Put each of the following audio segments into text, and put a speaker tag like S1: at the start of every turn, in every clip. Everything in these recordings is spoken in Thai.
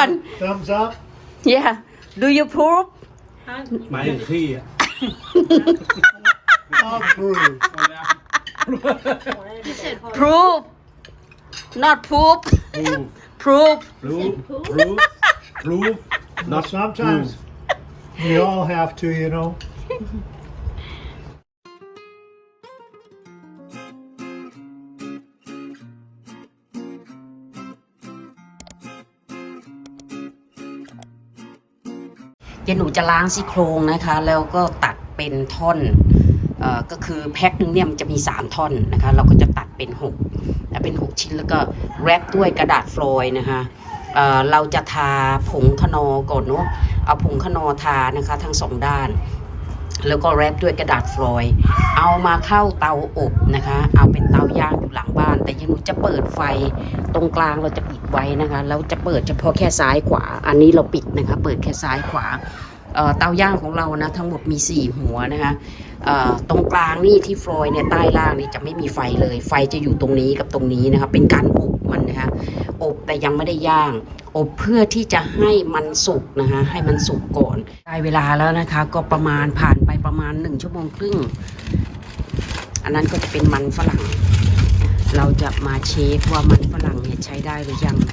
S1: one
S2: Thumbs up.
S1: yeah do you prove
S3: หมายถึงขี้อ่ะ
S2: Approve.
S1: prove not proof proof
S3: proof
S2: Not sometimes. We all have to, you know.
S1: เดี๋ยวหนูจะล้างซี่โครงนะคะแล้วก็ตัดเป็นท่อนก็คือแพ็คนึงเนี่ยมันจะมี3ท่อนนะคะเราก็จะตัดเป็น6ชิ้นแล้วก็แรปด้วยกระดาษฟลอยด์นะคะเราจะทาผงคนอก่อนเนาะเอาผงคนอทานะคะทั้ง2ด้านแล้วก็แรปด้วยกระดาษฟลอยด์เอามาเข้าเตาอบนะคะเอาเป็นเตาย่างอยู่หลังบ้านแต่ยังหนูจะเปิดไฟตรงกลางเราจะปิดไว้นะคะเราจะเปิดเฉพาะแค่ซ้ายขวาอันนี้เราปิดนะคะเปิดแค่ซ้ายขวาเตาย่างของเรานะทั้งหมดมี4หัวนะคะตรงกลางนี่ที่ฟลอยเนี่ยใต้ล่างนี่จะไม่มีไฟเลยไฟจะอยู่ตรงนี้กับตรงนี้นะคะเป็นการอบมันนะคะอบแต่ยังไม่ได้ย่างอบเพื่อที่จะให้มันสุกนะคะให้มันสุกก่อนได้เวลาแล้วนะคะก็ประมาณผ่านไปประมาณ1 ชั่วโมงครึ่งอันนั้นก็จะเป็นมันฝรั่งเราจะมาเช็คว่ามันฝรั่งเนี่ยใช้ได้หรือยัง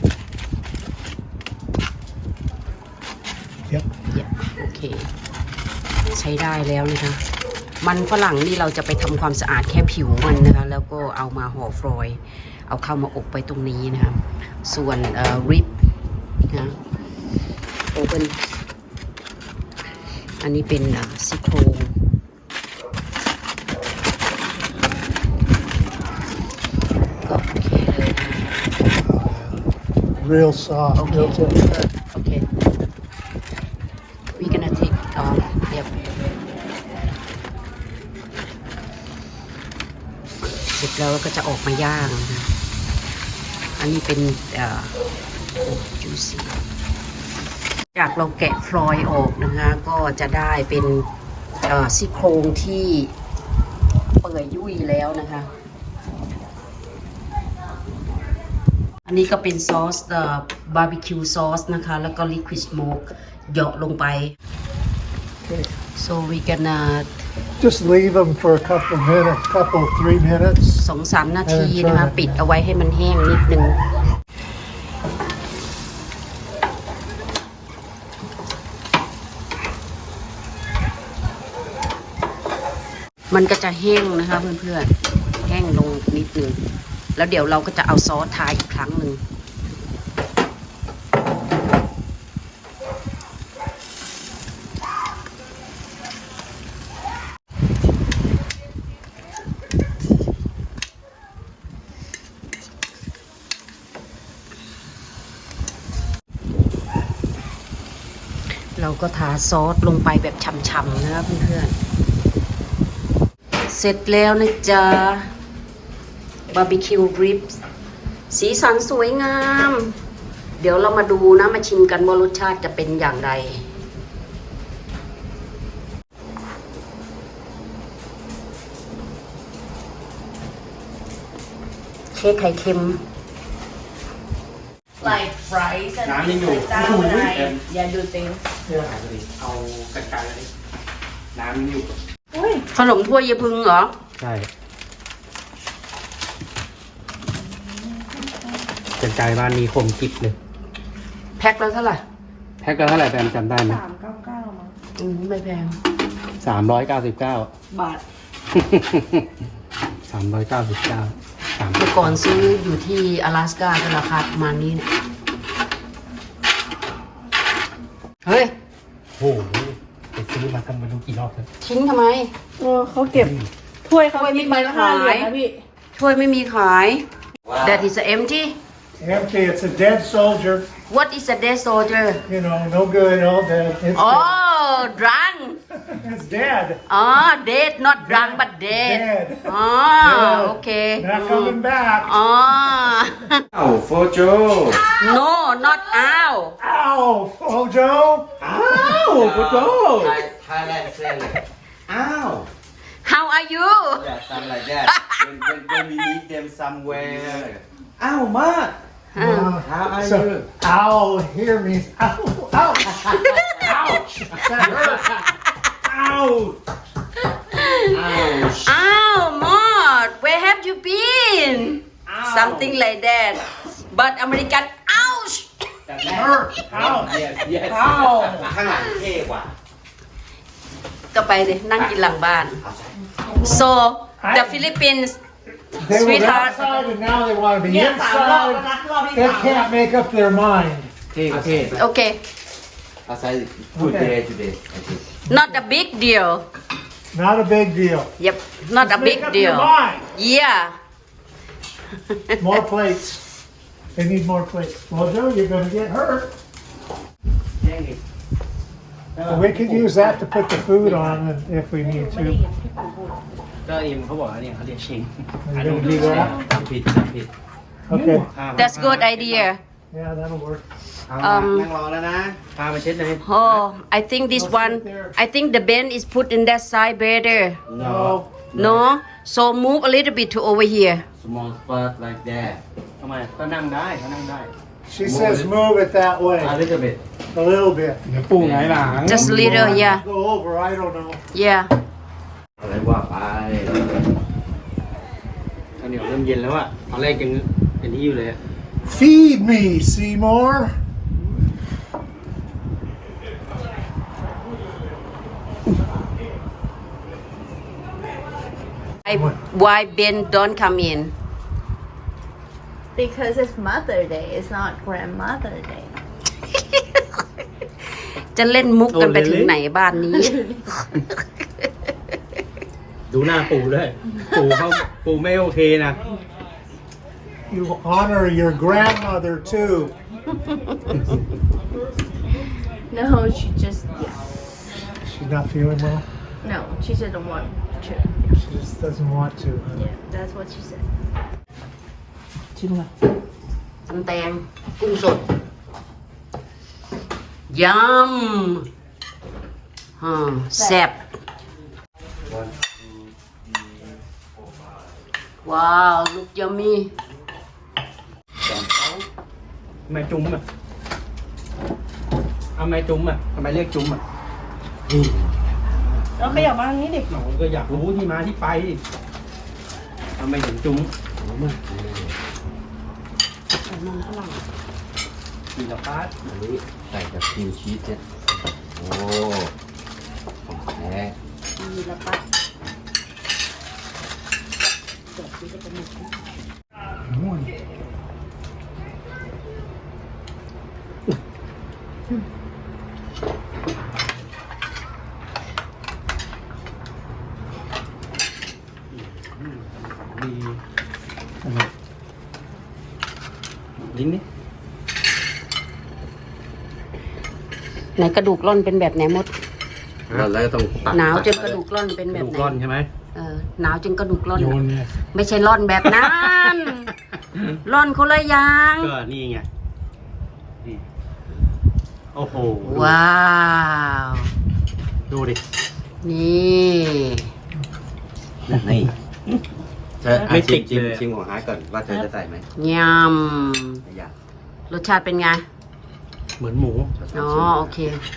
S1: โอเคใช้ได้แล้วนะคะมันฝรั่งนี่เราจะไปทำความสะอาดแค่ผิวมันนะคะแล้วก็เอามาห่อฟลอยล์เอาเข้ามาอบไปตรงนี้นะคะส่วนริบนะโอเปนอันนี้เป็นซี่โครงก็โอเคเลยนะ
S2: Real soft. Real tender.
S1: Okay. We're gonna take yep. เสร็จแล้วก็จะออกมาย่างนะอันนี้เป็นjuicy จากเราแกะฟลอยออกนะคะก็จะได้เป็นซี่โครงที่เปื่อยยุ่ยแล้วนะคะอันนี้ก็เป็นซอสบาร์บีคิวซอสนะคะแล้วก็ลิควิดสโมกเหยาะลงไป so we gonna
S2: Just leave them for a couple minutes, 3 minutes.
S1: 2-3 นาทีนะคะปิดเอาไว้ให้มันแห้งนิดนึงมันก็จะแห้งนะคะเพื่อนๆแห้งลงนิดนึงแล้วเดี๋ยวเราก็จะเอาซอสทาอีกครั้งหนึ่งเราก็ทาซอสลงไปแบบฉ่ำๆนะครับเพื่อนๆเสร็จแล้วนะจ๊ะบาร์บีคิวริบสีสันสวยงามเดี๋ยวเรามาดูนะมาชิมกันว่ารสชาติจะเป็นอย่างไรเค้กไข่เค็ม
S4: like fries and
S3: น้ำยัง
S4: things
S3: อยู่
S4: like that when I do things
S3: เอากันไกลเลยน้ำยังอยู่
S1: ขนมถ้วยเยพึงเหรอ
S3: ใช่กันไกลบ้านนี้คมกิ๊บเลย
S1: แพ็คแล้วเท่าไหร่
S3: แพ็คก็เท่าไหร่แปมจำได้ไหม
S4: 399มั้ง
S1: ไม่แพง
S3: 399
S4: บาท
S3: 399
S1: เมื่อก่อนซื้ออยู่ที่阿拉斯ก้าก็ราคาประมาณนี้นะเฮ้ย
S3: โอ้โหไปซื้อมากันมาดูกี่รอบแล้ว
S1: ทิ้งทำไม
S4: เขาเก็บถ้วยเขา
S1: ถ้วยไม่
S4: กิน
S1: มี
S4: ใบละ5 เหรียญ
S1: ขาย
S4: นะพี่
S1: ถ้วยไม่มีขาย That is empty
S2: Empty. It's a dead soldier.
S1: What is a dead soldier
S2: You know, no good, all dead. It's
S1: Oh drunk
S2: dead. It's dead.
S1: Oh dead not drunk but dead
S2: Dead.
S1: Oh okay
S2: Not coming back.
S1: Oh
S3: อ้าวโฟโจ
S1: No not owl
S2: Ow, Fojo.
S3: อ้าวโฟโจ
S5: Thailand say like, ow.
S1: How are you
S5: Yeah, something like that. When we meet them somewhere. Ow, Mark. How are
S2: So,
S5: you?
S2: ow here means ow, ouch, ouch. That hurt.
S3: Ouch!
S5: Ouch.
S1: Ow, Maud, where have you been? Something like that. But American, ouch!
S3: That hurt! Ouch! Yes, yes. Ouch!
S5: ข้างหลังเท่กว่า
S1: ก็ไปเลยนั่งกินหลังบ้าน so the Philippines
S2: They were
S1: Sweetheart.
S2: outside and now they want to be
S4: เนี่ยสามรอบ
S2: inside.
S4: แล้วนะรอบที่
S2: They
S4: สาม
S2: can't make up their mind.
S5: เท่ก็เท่
S1: okay
S5: Outside good
S2: Okay.
S5: day today I think
S1: not a big deal
S2: Not a big deal.
S1: yep not a big
S2: Make up
S1: deal
S2: your mind.
S1: yeah
S2: More plates. They need more plates. Well, Joe, you're going to get hurt.
S3: แย่งอีก
S2: Well, we could use that to put the food on if we need
S4: ไม่ได้
S2: to.
S4: ยินที่ปู่พูด
S3: ก็อิมเขาบอกว่าเนี่ยเขาเรียกชิง
S2: Are you going to do that?
S5: ผิดผิด
S2: Okay.
S1: that's good idea
S2: Yeah, that'll work.
S3: เอามานั่งรอแล้วนะ พามาเช็ดเลย
S1: oh I think this one I think the bend is put in that side better
S2: No.
S1: no so move a little bit to over here
S5: small spot like that
S3: ทำไมก็นั่งได้เขานั่งได้
S2: She says move it that way.
S5: a little bit
S2: A little bit.
S3: เดี๋ยวปูไงหลัง
S1: just little yeah
S2: Go over, I don't know.
S1: yeah
S5: อะไรว่าไป
S3: ข้าวเหนียวเริ่มเย็นแล้วอะตอนแรกยังเป็นที่อยู่เลยอะ
S2: Feed me, Seymour.
S1: why Ben don't come in
S6: Because it's Mother Day, it's not Grandmother Day.
S1: จะเล่นมุกกันไปถึงไหนบ้านนี้
S3: ดูหน้าปูด้วยปูไม่โอเคนะ
S2: You honor your grandmother too.
S6: No, she just, yeah.
S2: She's not feeling well.
S6: No, she didn't want to.
S2: She just doesn't want to.
S6: Yeah, that's what she said.
S3: ชิ้นละ
S1: ตำแตงกุ้งสดยำแซ่บว้าวลูกยำมี
S3: ทำไมจุ้มอะทำไมจุ้มอะทำไมเรียกจุ้มอะ
S4: แล้วขยับมาทางนี้ดิ
S3: หนูก็อยากรู้ที่มาที่ไปทำไมถึงจุ้มมีละพาร์ท
S5: อันนี้ใส่กับครีมชีสเนี่ยโอ้ของแท้
S1: มีละปะ
S3: ดีลิ้นนี่
S1: ไหนกระดูกร่อนเป็นแบบไหนมด
S5: แล้วก็ต้องตัด
S1: หนาวจนกระดูกร่อนเป็นแบบ
S3: ดู
S1: ไหน
S3: ก้อนใช่ไหม
S1: หนาวจนกระดูกร่อน
S3: โยนเนี่ย
S1: ไม่ใช่ร่อนแบบนั้น ร่อนคนละอย่าง
S3: ก็นี่ไงนี่โอ้โห
S1: ว้าว
S3: ดูดิ
S1: นี่
S5: นี่เธอ
S3: ไม่ติด
S5: ชิม
S3: เลย
S5: ชิมของฮาร์ดก่อนว่าเธอจะใส่ไหม
S1: ย
S5: ไม่อยาก
S1: ำรสชาติเป็นไง
S3: เหมือนหมู
S1: อ๋อโอเค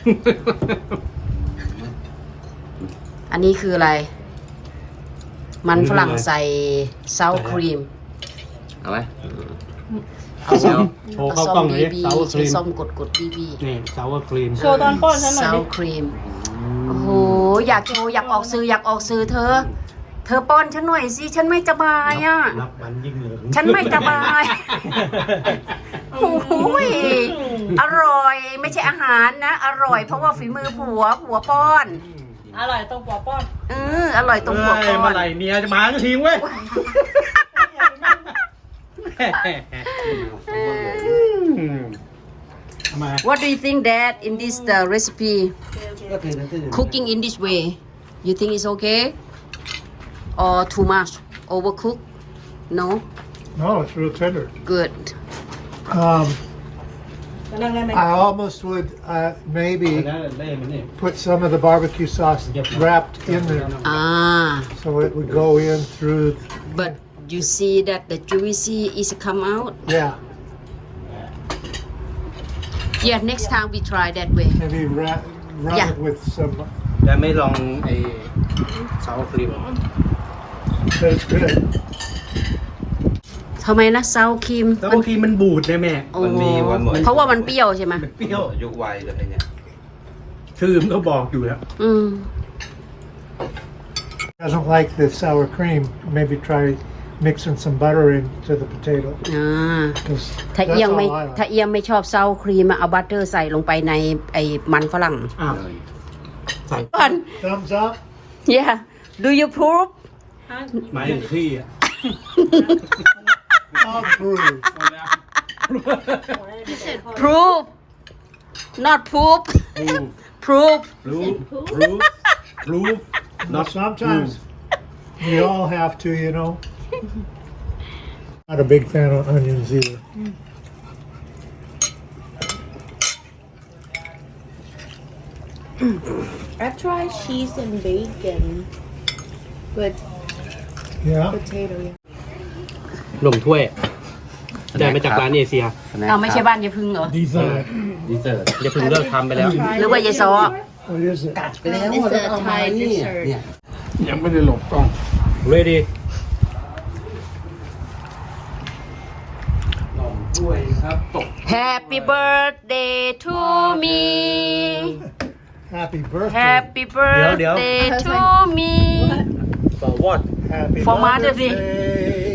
S1: อันนี้คืออะไร มันฝรั่งใส่ซาวครีม
S5: เอาไหม
S1: เอาส้ม
S3: โชว์
S1: เอา
S3: เข้า
S1: ส้
S3: กล้อ
S1: ม
S3: งเล
S1: บี
S3: ย
S1: บี
S3: ซาวค
S1: ใช้
S3: รีม
S1: ส้มกดบีบี
S3: นี่ซาวครีม
S4: โชว์ตอนป้อนฉันหน่อย
S1: ซาว
S4: ดิ
S1: ครีม โอ้โห อยากโชว์อยากออกสื่ออยากออกสื่อเธอ เธอป้อนฉันหน่อยสิ ฉันไม่สบายอ่ะ
S3: นับวันยิ่งเหลือง
S1: ฉันไม่สบาย โอ้โหยอร่อย ไม่ใช่อาหารนะ อร่อยเพราะว่าฝีมือผัวป้อน
S4: อร่อยตรงหัวป้อน
S1: อร่อยตรงผัว
S3: เอ้ย
S1: ป้อ
S3: เมื่อน ไหร่เมียจะมาก็ทิ้งเว้ย ทำไม
S1: What do you think that in this recipe
S5: ก็คือนั่นคือ
S1: cooking in this way you think it's okay or too much overcook no
S2: No, it's real tender.
S1: good
S2: Um,
S4: จะนั่งได้ไหม
S2: I almost would maybe
S3: แล้วเล่มันนี่
S2: put some of the barbecue sauce wrapped in there so it would go in through.
S1: but you see that the juicy is come out
S2: Yeah.
S1: Yeah, next time we try that way.
S2: Maybe rub
S1: Yeah.
S2: it with some.
S3: แล้วไม่ลองไอ้ซาวครีม
S2: That's good.
S1: ทำไมนะซาวครีม
S3: ซาวครีมมันบูดนะแม่
S5: มันมีวันหมด
S1: เพราะว่ามันเปรี้ยวใช่ไหม
S3: เปรี้ยว
S5: ยุควัยเลยเนี่ย
S3: ชื่อมันก็บอกอยู่แล้ว
S1: อืม
S2: Doesn't like the sour cream. Maybe try mixing some butter into the potato.
S1: อ่า
S2: 'Cause
S1: ถ้า
S2: that's
S1: เอียง
S2: all
S1: ไม่
S2: I like.
S1: ถ้าเอียงไม่ชอบซาวครีมอะเอาบัตเตอร์ใส่ลงไปในไอ้มันฝรั่ง
S3: อ้าวใส่
S1: ก่อน
S2: Thumbs up.
S1: Yeah do you prove
S3: หมายถึงขี้อ่ะ
S2: Approve.
S1: prove not poop prove
S3: รู้
S2: Not sometimes. We all have to, you know. Not a big fan of onions either.
S6: I've tried cheese and bacon, but
S2: Yeah.
S6: potato. Yeah.
S3: ลงถ้วยได้มาจากร้านเอเชีย
S1: เอาไม่ใช่บ้านยายพึ่งเหรอ
S2: Dessert.
S5: ดีเซอร์
S3: อย่าเพิ่งเลิกทำไปแล้ว
S1: หรือว่ายายซอ
S2: What is it?
S5: ไปแล้ว
S6: It's
S5: แล้ว
S6: a
S5: เอามา
S6: Thai
S5: นี่
S6: dessert.
S5: เนี่ย
S3: ยังไม่ได้หลบกล้อง ready ลงถ้วยครับตก
S1: Happy birthday to me
S2: Happy birthday.
S1: Happy
S3: เดี๋ยว
S1: birthday to me
S3: for what
S2: Happy
S1: For Mother's Day.
S2: Day.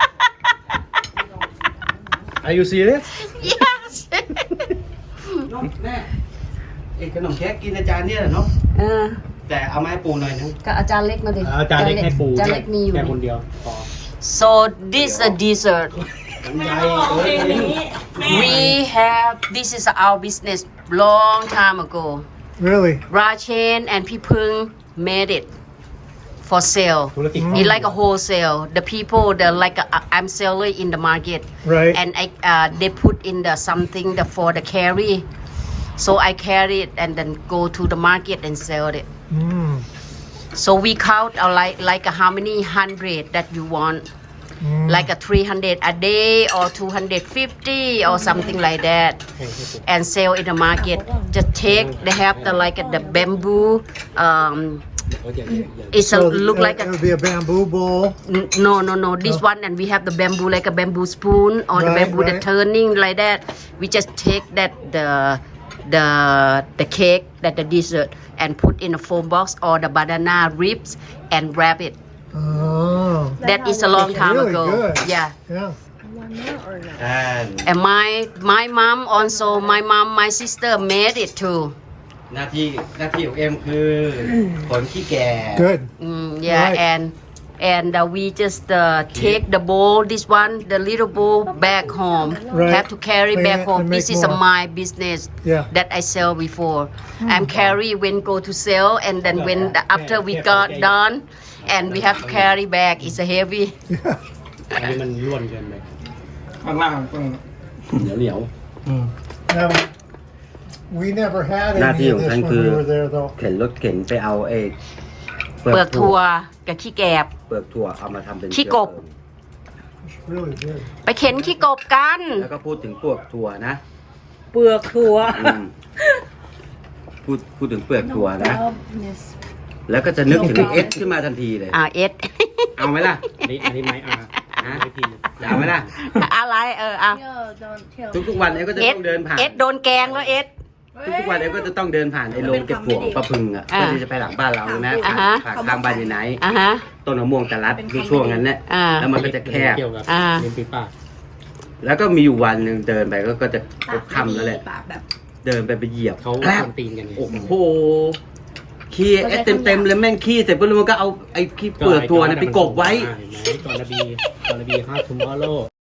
S3: are you serious
S1: yes
S3: น้องแน่ไอ้ขนมเค้กกินอาจารย์เนี่ยเหรอเนาะ
S1: เออ
S3: แต่เอามาให้ปูหน่อยนึง
S1: ก็อาจารย์เล็กมาดิ
S3: อาจารย์เล็กให้ปู
S1: อาจารย์เล็กมีอยู่
S3: แค่คนเดียวพอ
S1: so this a dessert
S3: มันใหญ่
S1: we have this is our business long time ago
S2: Really?
S1: Rachen and Pipung made it for sale
S3: ธุรกิจ
S1: It's like a wholesale. The people, the like I'm seller in the market,
S2: Right.
S1: and they put in the something for the carry. So I carry it and then go to the market and sell it.
S2: Mm.
S1: So we count like how many hundred that you want, like a 300 a day or 250 or something like that, and sell in the market. Just take they have the bamboo. It's a look like
S2: it
S1: a
S2: would be a bamboo bowl.
S1: no this one and we have the bamboo like a bamboo spoon or the
S2: Right,
S1: bamboo that
S2: right.
S1: turning like that we just take that the cake that the dessert and put in a foam box or the banana ribs and wrap it
S2: Oh.
S1: that is a long time
S2: Really
S1: ago
S2: good.
S1: yeah
S2: Yeah.
S1: and my mom also my sister made it too
S5: หน้าที่ของเอ็มคือผลขี้แก่
S2: Good.
S1: yeah
S2: Right.
S1: and we just take the bowl this one the little bowl back home
S2: Right.
S1: have to carry
S2: Clean
S1: back
S2: it
S1: home
S2: and
S1: this
S2: make
S1: is
S2: more.
S1: my business
S2: Yeah.
S1: that I sell before I'm carry when go to sell and then when after we got done and we have to carry back it's a heavy
S3: อันนี้มันร่วนเกินไป
S2: ข้างล่างต้อง
S5: เหนียว
S2: Now, we never had
S5: หน้า
S2: any
S5: ที่
S2: of
S5: ของ
S2: this
S5: ฉัน
S2: when
S5: คือ
S2: we were there, though.
S5: เข็นรถเข็นไปเอาเป
S1: เปลือกถั่วกับขี้แกบ
S5: เปลือกถั่วเอามาทำเป็น
S1: ขี้กบ
S2: It's really good.
S1: ไปเข็นขี้กบกัน
S5: แล้วก็พูดถึงเปลือกถั่วนะ
S4: เปลือกถั่ว
S5: อืมพูดถึงเปลือกถั่วนะ
S6: Yes.
S5: แล้วก็จะนึกถึงเอสขึ้นมาทันทีเลย
S1: เอ็ด
S5: เอาไหมล่ะ
S3: อันนี้ไม้อาไม้พิน
S5: เอาไหมล่ะ
S1: อะไร
S6: No, don't tell
S5: ทุกๆวันเอ็ก็จะ
S1: เอ็ด
S5: ต้องเดินผ่าน
S1: เอ็ดโดนแกงแล้วเอ็ด
S5: ทุกๆวันเอ็ก็จะต้องเดินผ่านไอ้โรงเก็บถั่วของป้าพึงอ่ะ
S1: อ่า
S5: เพื่อที่จะไปหลังบ้านเราใช่ไหม
S1: อ่า
S5: ผ่าน
S1: ฮะ
S5: ผ่านข้างบ้านยายไหน
S1: อ่ะฮะ
S5: ต้นมะม่วงตะลัดในช่วงนั้นเนี่ย
S1: อ่า
S5: แล้วมันก็จะแคบ
S3: เกี่ยวกับ
S1: อ่า
S3: ลิ้นปีปาก
S5: แล้วก็มีอยู่วันหนึ่งเดินไปก็จะค่ำแล้วแหละ
S6: ปากแบบ
S5: เดินไปเหยียบ
S3: เขา
S5: แกรบ
S3: ทำตีนกันไง
S5: โอ้โหขี้เอสเต็มๆเลยแม่งขี้เสร็จปุ๊บแล้วมันก็เอาไอ้ขี้เปลือกถั่วเนี่ยไปกบไว้
S3: เห็นไหมตอนนบี tomorrow